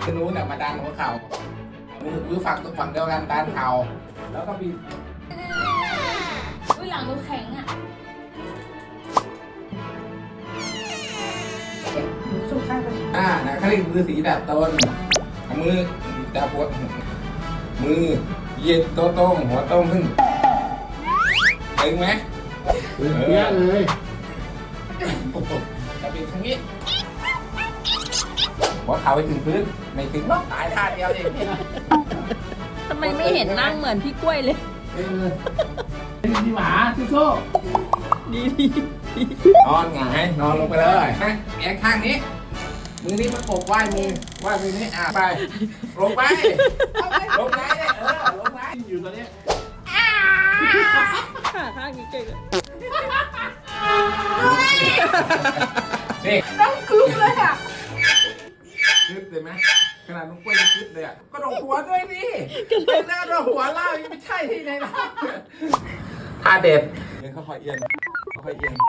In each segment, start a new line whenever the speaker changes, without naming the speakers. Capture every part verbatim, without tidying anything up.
คือนู้นน่ะมาดันหัวเข่ามือมือฝั่งฝั่งเดียวกันดันเข่าแล้วก็บีบ
อุ้ยหลังดูแข็งอ่ะสุกข้างไป
อ่านะเขาเรียกมือสีแบบต้นมือจับหัวมือเหยียดโต้ตรงหัวตรงขึ้นตึงไหม
เยอะเลย
จะเป็นทางนี้หัวเข่าไปถึงพื้นไม่ถึงหรอกตายท่าเดียวเอง
ทำไมไม่เห็นนั่งเหมือนพี่กล้วยเลย
เออพี่หมาพี่โซ่
ดีดี
นอนหงายนอนลงไปเลยนะแอนข้างนี้มือนี้ประกบไหว้มือไหว้มือนี้อ่ะไปลงไปลงไปเนี่ยเออลงไป
อยู่ตอนนี้
ขาข้างนี้เก่งอะ
นี่
ต้องคืบเลยอ่ะ
ยึดเลยไหมขนาดลุงกล้วยยังยึดเลยอ่ะก็โดนหัวด้วยดิเป็นหน้าโดนหัวเล่ายังไม่ใช่ที่ไหนนะท่าเด็ดเอียงค่อยๆเอียงค่อยๆเอียง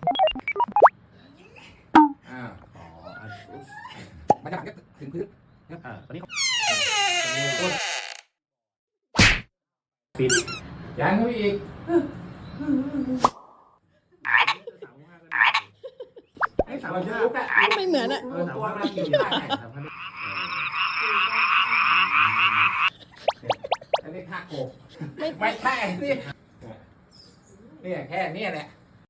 อ่ามันจะถึงพื้น
อ่าตอนนี้
ปิดยังเข้าไปอีกไอ้สาวจะลุกอ่ะ
ไม่เหมือนอะ
เออตัวมันอยู่ได้ไงอันนี้ท่าโกบไม่ใช่นี่นี่แค่นี้แหละ